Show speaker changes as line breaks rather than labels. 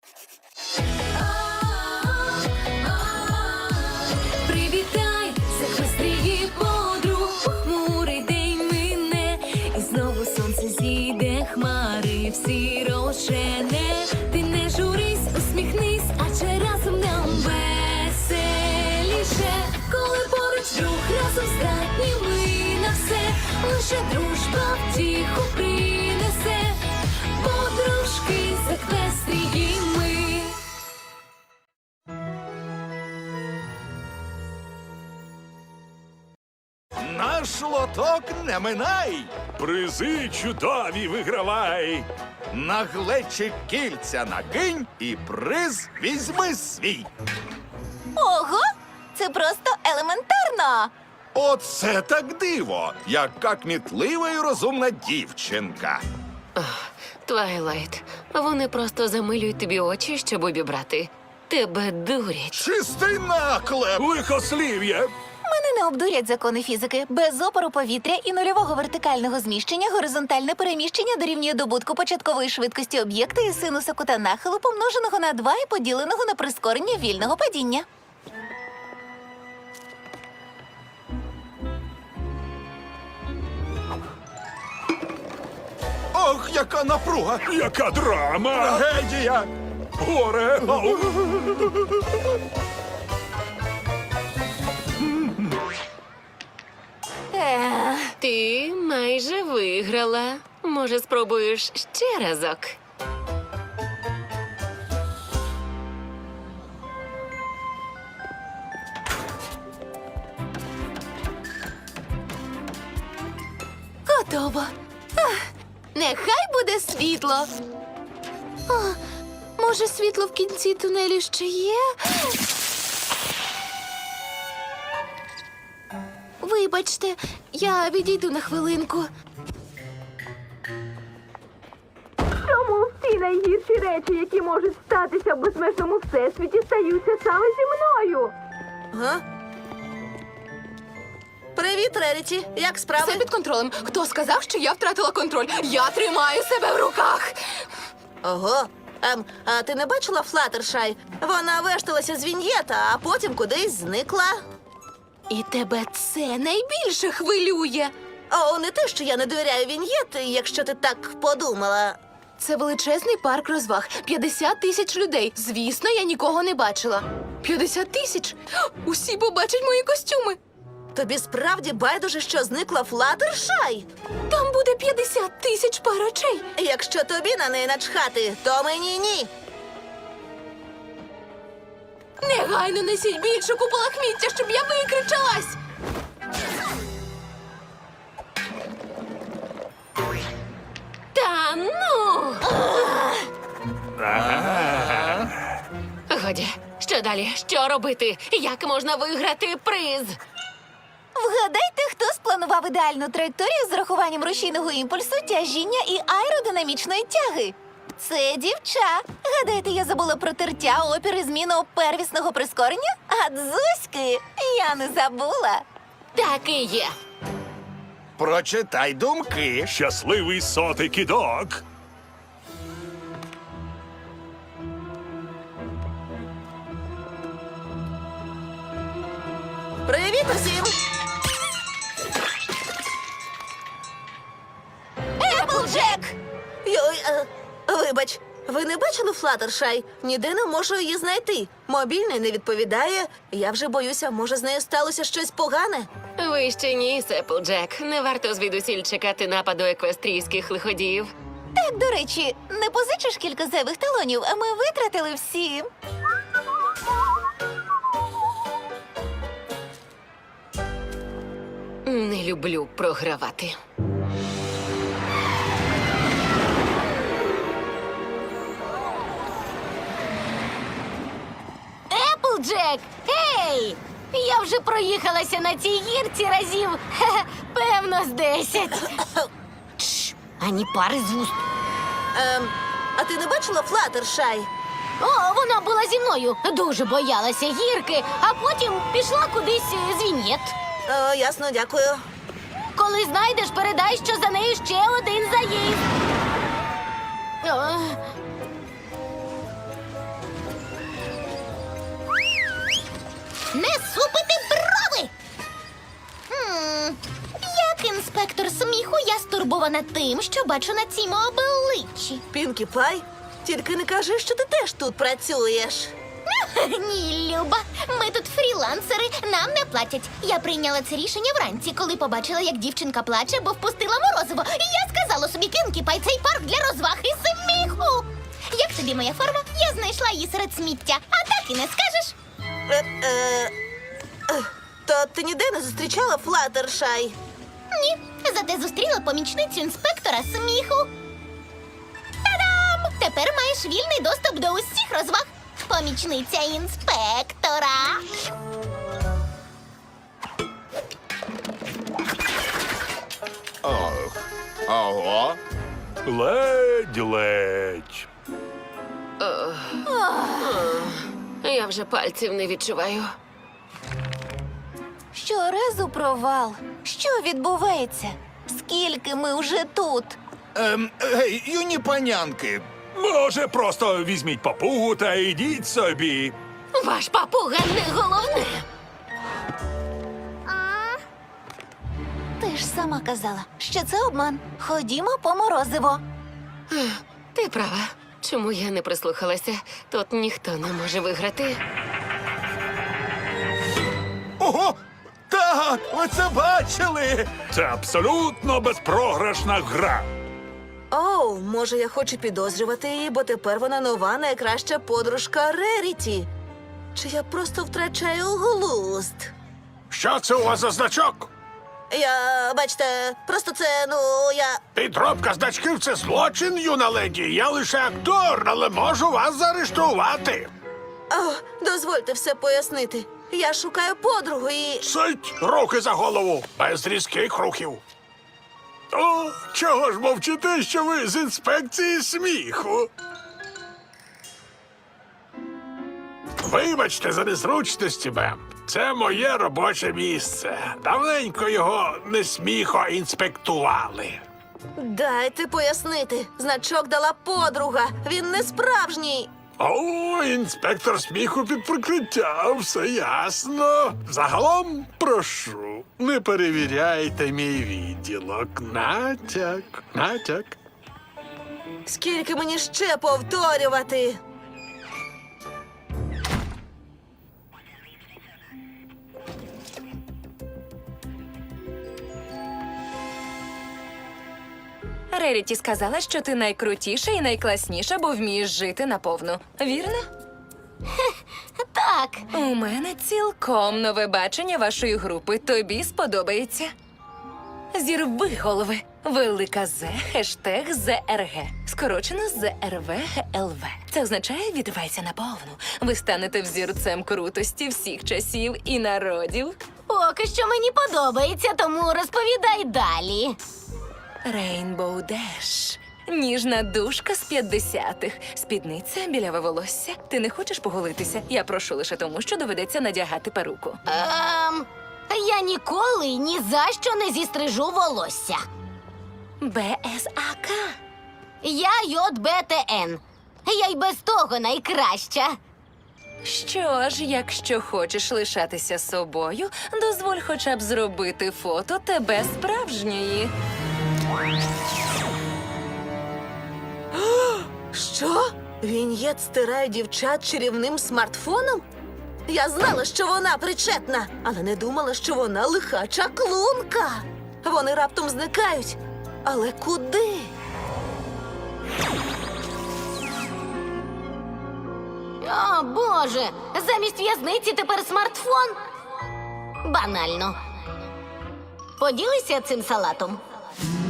Привітай, захвестрії подруг, похмурий день мине, і знову сонце зійде, хмари всі розжене. Ти не журись, усміхнись, адже разом нам веселіше. Коли поруч друг, разом здатні ми на все, лише дружба втіху принесе. Подружки захвестрії ми.
Наш лоток не минай, призи чудові вигравай. На глечик кільця накинь і приз візьми свій.
Ого! Це просто елементарно!
Оце так диво, яка кмітлива і розумна дівчинка.
Твайлайт, вони просто замилюють тобі очі, щоб обібрати. Тебе дурять.
Чистий наклеп! Лихослів'я!
Мене не обдурять закони фізики. Без опору повітря і нульового вертикального зміщення горизонтальне переміщення дорівнює добутку початкової швидкості об'єкта і синуса кута нахилу, помноженого на 2 і поділеного на прискорення вільного падіння.
Ох, яка напруга!
Яка драма!
Трагедія!
Горе! Ау!
Ти майже виграла. Може, спробуєш ще разок?
Готово. Нехай буде світло. Може, світло в кінці тунелю ще є? Вибачте, я відійду на хвилинку.
Чому всі найгірші речі, які можуть статися в безмежному всесвіті, стаються саме зі мною?
Привіт, Реріті. Як справи?
Все під контролем. Хто сказав, що я втратила контроль? Я тримаю себе в руках.
Ого. А ти не бачила Флаттершай? Вона вешталася з Віньєта, а потім кудись зникла.
І тебе це найбільше хвилює.
О, не те, що я не довіряю Віньєт, якщо ти так подумала.
Це величезний парк розваг. 50 тисяч людей. Звісно, я нікого не бачила. 50 тисяч? Усі побачать мої костюми.
Тобі справді байдуже, що зникла Флаттершай?
Там буде 50 тисяч пар очей.
Якщо тобі на неї начхати, то мені ні.
Негайно несіть більше купу лахміття, щоб я викричалась.
Та ну! Годі, що далі? Що робити? Як можна виграти приз?
Вгадайте, хто спланував ідеальну траєкторію з урахуванням рушійного імпульсу, тяжіння і аеродинамічної тяги? Це дівча. Гадаєте, я забула про тертя, опір і зміну первісного прискорення? А дзузьки я не забула.
Так і є.
Прочитай думки.
Щасливий сотий кидок!
Привіт усім! Еплджек! Йой, вибач, ви не бачили Флаттершай? Ніде не можу її знайти. Мобільний не відповідає. Я вже боюся, може, з нею сталося щось погане.
Ви ще ні, Сеплджек. Не варто звідусіль чекати нападу еквестрійських лиходіїв.
Так, до речі, не позичиш кілька зайвих талонів, а ми витратили всі.
Не люблю програвати.
Еплджек! Ей! Я вже проїхалася на цій гірці разів, певно, з 10.
Ані пари з вуст.
А ти не бачила Флаттершай?
О, вона була зі мною. Дуже боялася гірки, а потім пішла кудись з Віньєт.
О, ясно, дякую.
Коли знайдеш, передай, що за нею ще один заїзд. Не супити брови! Як інспектор сміху, я стурбована тим, що бачу на цім обличчі.
Пінкі Пай, тільки не кажи, що ти теж тут працюєш.
Ні, Люба, ми тут фрілансери, нам не платять. Я прийняла це рішення вранці, коли побачила, як дівчинка плаче, бо впустила морозиво. І я сказала собі, Пінкі Пай, цей парк для розваг і сміху. Як тобі моя форма? Я знайшла її серед сміття, а так і не скажеш.
То ти ніде не зустрічала Флаттершай?
Ні, зате зустріла помічницю інспектора сміху. Та-дам! Тепер маєш вільний доступ до усіх розваг. Помічниця інспектора.
Ого.
Ледь-ледь.
Я вже пальців не відчуваю.
Щоразу провал. Що відбувається? Скільки ми вже тут?
Гей, юні панянки.
Може, просто візьміть папугу та йдіть собі.
Ваш папуга не головне.
Ти ж сама казала, що це обман. Ходімо по морозиво.
Ти права. Чому я не прислухалася? Тут ніхто не може виграти.
Ого! Так, ви це бачили!
Це абсолютно безпрограшна гра.
Оу, може, я хочу підозрювати її, бо тепер вона нова найкраща подружка Реріті. Чи я просто втрачаю глузд?
Що це у вас за значок?
Бачите, просто це, я...
Підробка значків – це злочин, юна леді. Я лише актор, але можу вас заарештувати.
О, дозвольте все пояснити. Я шукаю подругу і...
Сить, руки за голову, без різких рухів. О, чого ж мовчите, що ви з інспекції сміху? Вибачте за незручності, мем. Це моє робоче місце. Давненько його не сміхо інспектували.
Дайте пояснити. Значок дала подруга. Він не справжній.
О, інспектор сміху під прикриттям, все ясно. Загалом, прошу, не перевіряйте мій відділок. Натяк.
Скільки мені ще повторювати?
Реріті сказала, що ти найкрутіша і найкласніша, бо вмієш жити наповну. Вірно?
Так,
У мене цілком нове бачення вашої групи. Тобі сподобається. Зірви голови. Велика З, хештег ЗРГ. Скорочено ЗРВГЛВ. Це означає «відривайся наповну». Ви станете взірцем крутості всіх часів і народів.
поки що мені подобається, тому розповідай далі.
Рейнбоу Деш. Ніжна душка з 50-х. Спідниця, біляве волосся. Ти не хочеш поголитися? Я прошу лише тому, що доведеться надягати перуку.
Я ніколи ні за що не зістрижу волосся.
БСАК.
Я ЙБТН. Я й без того найкраща.
Що ж, якщо хочеш лишатися собою, дозволь хоча б зробити фото тебе справжньої.
Що? Він'єт стирає дівчат чарівним смартфоном? Я знала, що вона причетна, але не думала, що вона лиха чаклунка. Вони раптом зникають. Але куди?
О, Боже! Замість в'язниці тепер смартфон? Банально. Поділися цим салатом.